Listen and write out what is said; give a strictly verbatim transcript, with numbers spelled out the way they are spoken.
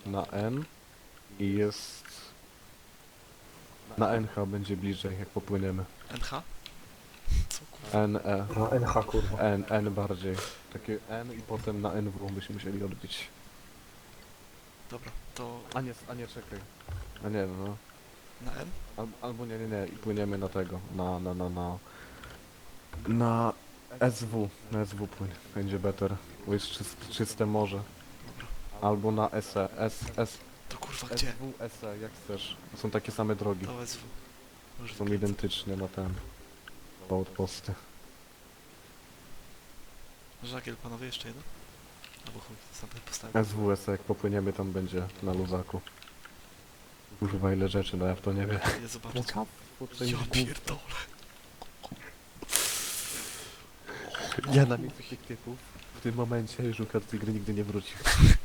na N i jest... Na N H będzie bliżej, jak popłyniemy. N H? Co kurwa? N, E, No N H kurwa. N, N bardziej. Takie N i potem na N W byśmy musieli odbić. Dobra, to A nie, a nie, czekaj. A nie, no. na N? Al, albo nie, nie, nie, i płyniemy na tego, na, na, na, na... Na S W, na S W płyń, będzie better, bo jest czyst, czyste morze. Dobra. Albo na S E, S, S, To kurwa gdzie? S W, S E, jak chcesz. To są takie same drogi, To S W. Już są wykręcę. identyczne na ten... Outposty. Żagiel, panowie, jeszcze jeden? Albo chuj, sam postawię. S W, S E, jak popłyniemy tam będzie na luzaku. Kurwa ile rzeczy, no ja w to nie wiem. Nie zobaczcie. Ja Ja pierdolę. Ja na miejscu tych typów w tym momencie już ukradł tej gry nigdy nie wrócił.